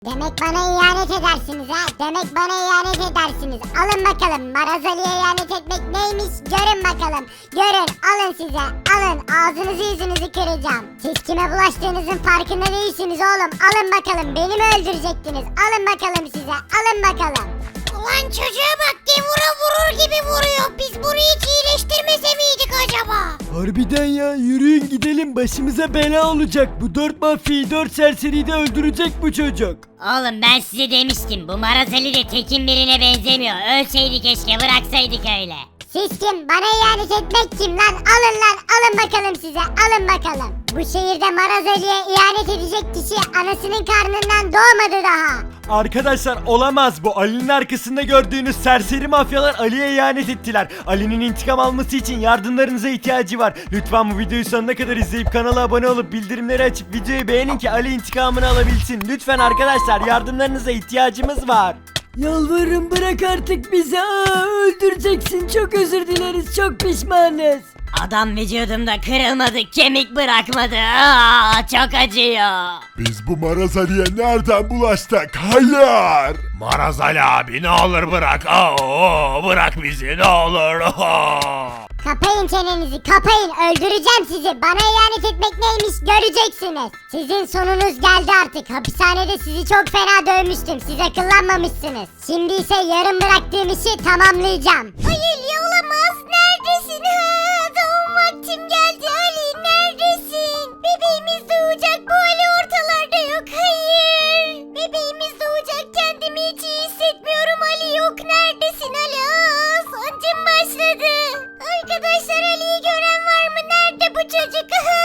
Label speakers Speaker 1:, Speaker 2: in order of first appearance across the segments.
Speaker 1: Demek bana ihanet edersiniz ha? Demek bana ihanet edersiniz. Alın bakalım. Maraz Ali'ye ihanet etmek neymiş? Görün bakalım. Görün. Alın size. Alın. Ağzınızı yüzünüzü kıracağım. Siz kime bulaştığınızın farkında değilsiniz oğlum. Alın bakalım. Beni mi öldürecektiniz? Alın bakalım size. Alın bakalım.
Speaker 2: Ulan çocuğa bak, gevura vurur gibi vuruyor. Biz bunu hiç iyileştirmese miydik acaba?
Speaker 3: Harbiden ya, yürüyün gidelim, başımıza bela olacak. Bu 4 mafyayı 4 serseriyi de öldürecek bu çocuk.
Speaker 4: Oğlum ben size demiştim, bu Maraz Ali de tekin birine benzemiyor. Ölseydi keşke, bıraksaydık öyle.
Speaker 1: Siz kim? Bana ihanet etmek kim lan? Alın lan. Alın bakalım size. Alın bakalım. Bu şehirde Maraz Ali'ye ihanet edecek kişi anasının karnından doğmadı daha.
Speaker 3: Arkadaşlar olamaz bu. Ali'nin arkasında gördüğünüz serseri mafyalar Ali'ye ihanet ettiler. Ali'nin intikam alması için yardımlarınıza ihtiyacı var. Lütfen bu videoyu sonuna kadar izleyip kanala abone olup bildirimleri açıp videoyu beğenin ki Ali intikamını alabilsin. Lütfen arkadaşlar, yardımlarınıza ihtiyacımız var. Yalvarırım, bırak artık bizi. Öldüreceksin. Çok özür dileriz. Çok pişmanız.
Speaker 4: Adam vücudumda kırılmadı, kemik bırakmadı. Aa, çok acıyor.
Speaker 5: Biz bu Maraz Ali'ye nereden bulaştık? Hayır!
Speaker 6: Maraz Ali abi ne olur bırak. Bırak bizi ne olur.
Speaker 1: Kapayın çenenizi, kapayın. Öldüreceğim sizi. Bana ihanet etmek neymiş göreceksiniz. Sizin sonunuz geldi artık. Hapishanede sizi çok fena dövmüştüm. Siz akıllanmamışsınız. Şimdi ise yarım bıraktığım işi tamamlayacağım.
Speaker 2: Hayır ya, olamaz. Neredesin? Doğum vaktim geldi Ali. Neredesin? Bebeğimiz doğacak. Bu Ali ortalarda yok. Hayır. Bebeğimiz doğacak. Kendimi hiç iyi hissetmiyorum. Ali yok. Neredesin Ali? Sancım başladı. Arkadaşlar, Ali'yi gören var mı? Nerede bu çocuk?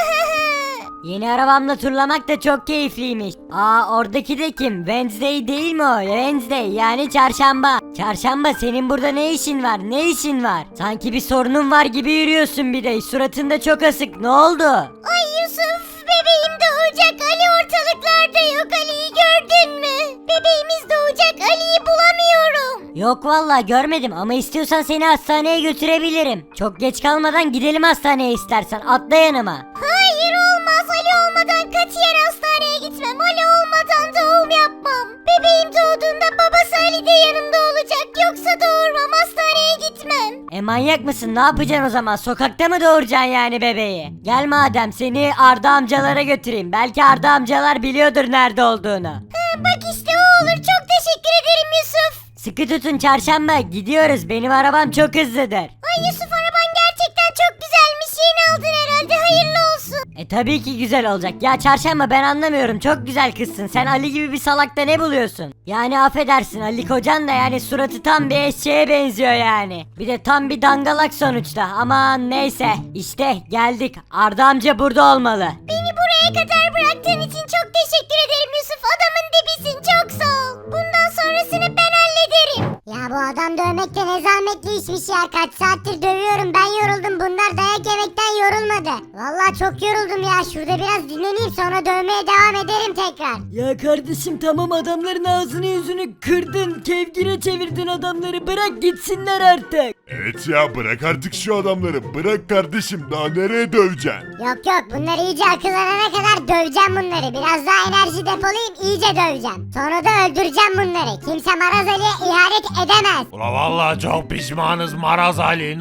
Speaker 4: Yeni arabamla turlamak da çok keyifliymiş. Oradaki de kim? Wednesday değil mi o? Wednesday yani çarşamba. Çarşamba, senin burada ne işin var? Ne işin var? Sanki bir sorunun var gibi yürüyorsun bir de. Suratında çok asık. Ne oldu?
Speaker 2: Ay Yusuf, bebeğim doğacak. Ali ortalıklarda yok. Ali'yi gördün mü? Bebeğimiz doğacak. Ali'yi bulamıyorum.
Speaker 4: Yok vallahi görmedim ama istiyorsan seni hastaneye götürebilirim. Çok geç kalmadan gidelim hastaneye istersen. Atla yanıma.
Speaker 2: Hayır, olmaz. Ali olmadan katiyen hastaneye gitmem. Ali olmadan doğum yapmam. Bebeğim doğduğunda babası Ali de yanımda olacak. Yoksa doğurmam, hastaneye gitmem.
Speaker 4: Manyak mısın? Ne yapacaksın o zaman? Sokakta mı doğuracaksın yani bebeği? Gel madem, seni Arda amcalara götüreyim. Belki Arda amcalar biliyordur nerede olduğunu.
Speaker 2: Bak işte o olur. Çok teşekkür ederim Yusuf.
Speaker 4: Sıkı tutun çarşamba, gidiyoruz. Benim arabam çok hızlıdır.
Speaker 2: Ay Yusuf, araban gerçekten çok güzelmiş. Yeni aldın herhalde. Hayırlı olsun.
Speaker 4: Tabii ki güzel olacak. Ya çarşamba, ben anlamıyorum. Çok güzel kızsın. Sen Ali gibi bir salakta ne buluyorsun? Yani affedersin, Ali kocan da yani suratı tam bir eşeğe benziyor yani. Bir de tam bir dangalak sonuçta. Aman neyse. İşte geldik. Arda amca burada olmalı.
Speaker 2: Beni buraya kadar bıraktığın için çok teşekkür ederim Yusuf. Adamın dibisin. Çok sağ ol. Bundan sonrasını ben hallederim.
Speaker 1: Ya bu adam dövmek de ne zahmetli işmiş ya. Kaç saattir dövüyorum, ben yoruldum. Bunlar dayak yemekten yorulmadı. Vallahi çok yoruldum ya. Şurada biraz dinleneyim, sonra dövmeye devam ederim tekrar.
Speaker 3: Ya kardeşim tamam, adamların ağzını yüzünü kırdın. Kevgire çevirdin adamları. Bırak gitsinler artık.
Speaker 5: Evet ya, bırak artık şu adamları. Bırak kardeşim, daha nereye döveceksin?
Speaker 1: Yok yok, bunlar iyice akıllanana kadar döveceğim bunları. Biraz daha enerji depolayıp iyice döveceğim. Sonra da öldüreceğim bunları. Kimse Maraz Ali'ye ihanet edemez.
Speaker 6: Ula vallahi çok pişmanız Maraz Ali. Ne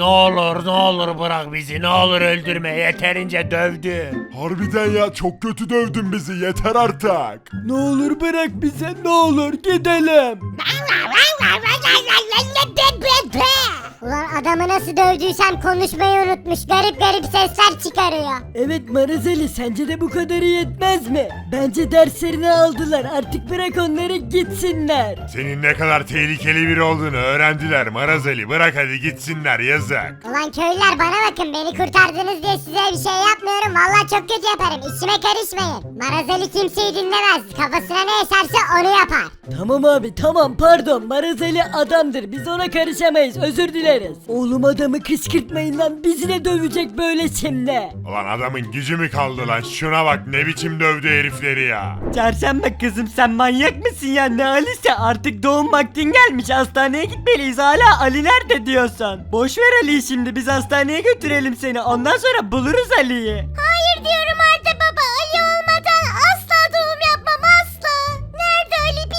Speaker 6: olur bırak bizi. Ne olur öldürme. Yeterince dövdü.
Speaker 5: Harbiden ya, çok kötü dövdün bizi, yeter artık.
Speaker 3: Ne olur bırak bize, ne olur gidelim.
Speaker 1: Ulan adamı nasıl dövdüysem konuşmayı unutmuş. Garip garip sesler çıkarıyor.
Speaker 3: Evet Marazeli, sence de bu kadarı yetmez mi? Bence derslerini aldılar, artık bırak onları gitsinler.
Speaker 5: Senin ne kadar tehlikeli biri olduğunu öğrendiler Maraz Ali. Bırak hadi gitsinler, yazık.
Speaker 1: Ulan köylüler, bana bakın, beni kurtardınız diye size bir şey yapmıyorum. Vallahi çok kötü yaparım. İşime karışmayın. Marazeli kimseyi dinlemez. Kafasına ne eserse onu yapar.
Speaker 3: Tamam abi tamam, pardon, Marazeli adamdır, biz ona karışamayız, özür dileriz. Oğlum adamı kışkırtmayın lan, bizi de dövecek böyle şimdi.
Speaker 5: Ulan adamın gücü mü kaldı lan? Şuna bak, ne biçim dövdü herifleri ya.
Speaker 3: Çarşamba kızım, sen manyak mısın ya? Ne Ali'se, artık doğum vaktin gelmiş, hastaneye gitmeliyiz. Hala Ali nerede diyorsun? Boş ver Ali'yi şimdi, biz hastaneye götürelim seni, ondan sonra buluruz Ali'yi.
Speaker 2: Hayır diyorum Arda baba. Ali olmadan asla doğum yapmam, asla. Nerede Ali?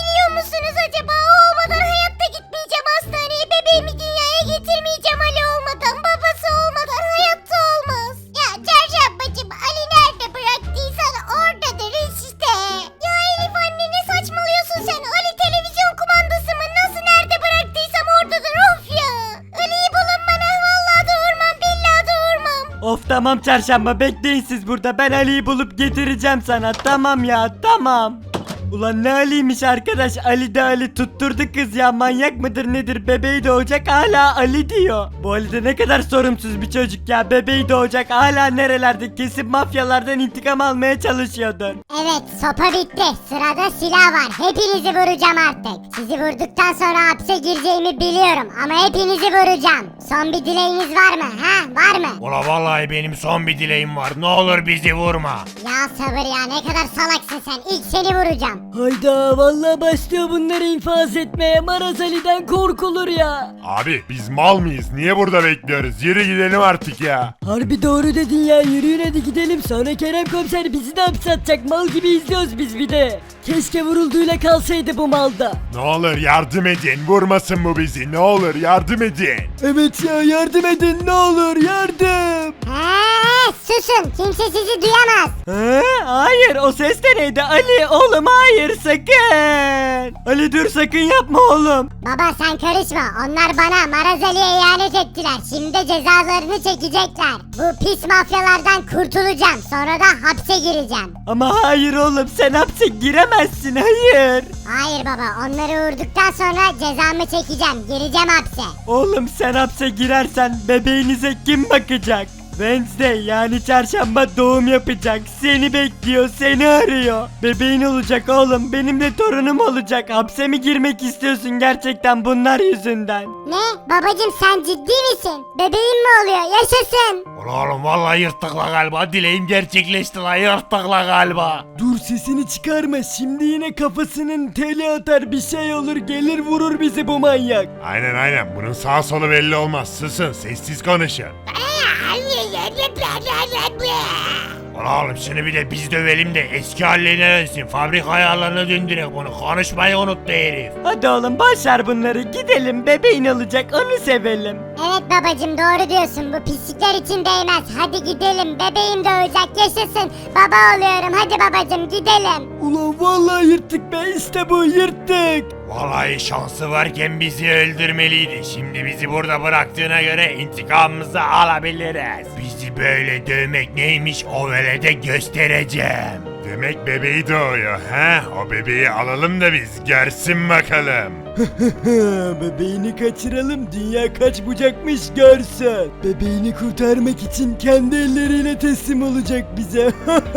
Speaker 3: Tamam çarşamba, bekleyin siz burada, ben Ali'yi bulup getireceğim sana. Tamam ya, tamam. Ulan ne Ali'ymiş arkadaş, Ali de Ali, tutturdu kız ya, manyak mıdır nedir, bebeği doğacak hala Ali diyor. Bu Ali de ne kadar sorumsuz bir çocuk ya, bebeği doğacak hala nerelerde, kesin mafyalardan intikam almaya çalışıyordur.
Speaker 1: Evet, sopa bitti. Sırada silah var. Hepinizi vuracağım artık. Sizi vurduktan sonra hapse gireceğimi biliyorum ama hepinizi vuracağım. Son bir dileğiniz var mı? Ha, var mı?
Speaker 6: Ula vallahi benim son bir dileğim var. Ne olur bizi vurma.
Speaker 1: Ya sabır ya, ne kadar salaksın sen. İlk seni vuracağım.
Speaker 4: Hayda vallahi başlıyor bunları infaz etmeye. Maraz Ali'den korkulur ya.
Speaker 5: Abi biz mal mıyız? Niye burada bekliyoruz? Yürü gidelim artık ya.
Speaker 4: Harbi doğru dedin ya, yürüyün hadi gidelim, sonra Kerem komiser bizi de hapse atacak, mal gibi izliyoruz biz bir de. Keşke vurulduğuyla kalsaydı bu malda.
Speaker 5: Ne olur yardım edin. Vurmasın bu bizi. Ne olur yardım edin.
Speaker 3: Evet ya, yardım edin ne olur, yardım.
Speaker 1: Susun. Kimse sizi duyamaz.
Speaker 3: Hayır, o ses de neydi Ali oğlum, hayır sakın. Ali dur, sakın yapma oğlum.
Speaker 1: Baba sen karışma. Onlar bana Maraz Ali'ye ihanet ettiler. Şimdi de cezalarını çekecekler. Bu pis mafyalardan kurtulacağım. Sonra da hapse gireceğim.
Speaker 3: Ama hayır oğlum, sen hapse giremezsin, hayır.
Speaker 1: Hayır baba, onları vurduktan sonra cezamı çekeceğim. Gireceğim hapse.
Speaker 3: Oğlum sen hapse girersen bebeğinize kim bakacak? Wednesday yani çarşamba doğum yapacak. Seni bekliyor, seni arıyor. Bebeğin olacak oğlum, benim de torunum olacak. Hapse mi girmek istiyorsun gerçekten bunlar yüzünden?
Speaker 1: Ne? Babacım sen ciddi misin? Bebeğin mi oluyor? Yaşasın.
Speaker 6: Ula oğlum vallahi yırttık la galiba. Dileğim gerçekleşti la, yırttık la galiba.
Speaker 3: Dur sesini çıkarma, şimdi yine kafasının teli atar, bir şey olur, gelir vurur bizi bu manyak.
Speaker 5: Aynen bunun sağ solu belli olmaz. Susun, sessiz konuşun.
Speaker 6: Ula oğlum şunu bir de biz dövelim de eski haline dönsün. Fabrika ayarlarına döndürek bunu. Konuşmayı unuttu herif.
Speaker 3: Hadi oğlum başar bunları, gidelim, bebeğin olacak, onu sevelim.
Speaker 1: Evet babacım, doğru diyorsun. Bu pislikler için değmez. Hadi gidelim. Bebeğim doğacak. Yaşasın. Baba oluyorum. Hadi babacım gidelim.
Speaker 3: Ulan vallahi yırttık be, işte bu, yırttık.
Speaker 6: Vallahi şansı varken bizi öldürmeliydi. Şimdi bizi burada bıraktığına göre intikamımızı alabiliriz. Bizi böyle dövmek neymiş o velede göstereceğim.
Speaker 5: Demek bebeği doğuyor ha? O bebeği alalım da biz görsün bakalım.
Speaker 3: Bebeğini kaçıralım, dünya kaç bucakmış görsün. Bebeğini kurtarmak için kendi elleriyle teslim olacak bize.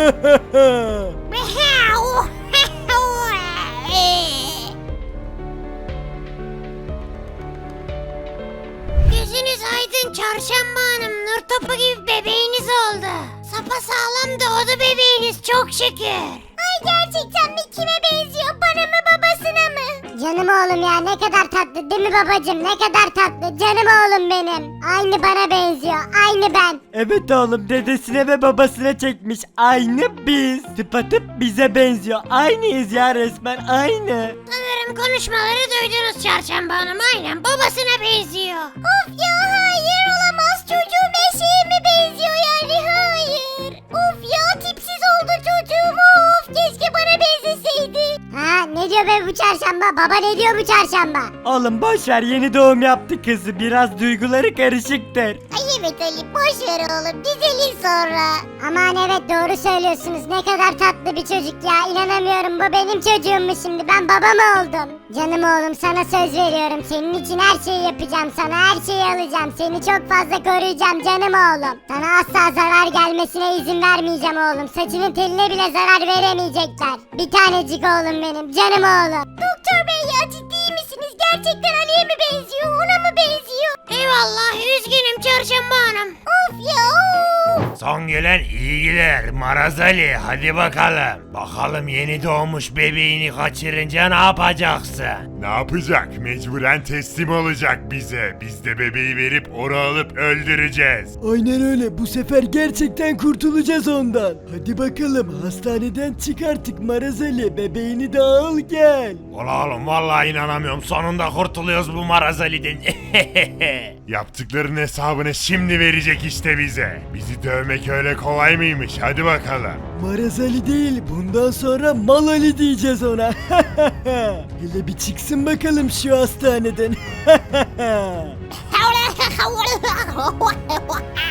Speaker 2: Gözünüz aydın Çarşamba Hanım. Nur topu gibi bebeğiniz oldu. Sapasağlam doğdu bebeğiniz çok şükür. Ay gerçekten mi? Kime benziyor? Bana mı babasına mı?
Speaker 1: Canım oğlum ya, ne kadar tatlı değil mi babacım? Ne kadar tatlı. Canım oğlum benim. Aynı bana benziyor. Aynı ben.
Speaker 3: Evet oğlum, dedesine ve babasına çekmiş. Aynı biz. Tıpatıp bize benziyor. Aynıyız ya, resmen aynı.
Speaker 2: Sanırım konuşmaları duydunuz Çarşamba Hanım. Aynen babasına benziyor. Of ya, hayır olamaz. Çocuğum eşeğe mi benziyor yani? Hayır. Of ya, tipsiz oldu çocuğum. Of, keşke bana benzeseydi.
Speaker 1: Ha, ne diyor be bu çarşamba? Baba ne diyor bu çarşamba?
Speaker 3: Oğlum boşver, yeni doğum yaptı kızı. Biraz duyguları karışıktır.
Speaker 2: Ay evet Ali, boş ver oğlum. Düzelir sonra.
Speaker 1: Aman evet, doğru söylüyorsunuz. Ne kadar tatlı bir çocuk ya. İnanamıyorum, bu benim çocuğummuş şimdi. Ben baba mı oldum? Canım oğlum, sana söz veriyorum. Senin için her şeyi yapacağım. Sana her şeyi alacağım. Seni çok fazla koruyacağım canım oğlum. Sana asla zarar gelmesine izin vermeyeceğim oğlum. Saçının teline bile zarar veremeyecekler. Bir tanecik oğlum benim. Canım oğlum.
Speaker 2: Doktor bey ya, ciddi misiniz? Gerçekten Ali'ye mi benziyor? Ona mı benziyor? Eyvallah, üzgünüm Çarşamba Hanım. Of ya of.
Speaker 6: Son gelen iyi gider Maraz Ali, hadi bakalım. Bakalım yeni doğmuş bebeğini kaçırınca ne yapacaksın?
Speaker 5: Ne yapacak? Mecburen teslim olacak bize. Biz de bebeği verip onu alıp öldüreceğiz.
Speaker 3: Aynen öyle, bu sefer gerçekten kurtulacağız ondan. Hadi bakalım, hastaneden çık artık Maraz Ali, bebeğini de al gel.
Speaker 6: Ula oğlum vallahi inanamıyorum, sonunda kurtuluyoruz bu Maraz Ali'den.
Speaker 5: Yaptıklarının hesabını şimdi verecek işte bize. Bizi dövmek öyle kolay mıymış? Hadi bakalım.
Speaker 3: Maraz Ali değil, bundan sonra Mal Ali diyeceğiz ona. Hele bir çıksın bakalım şu hastaneden.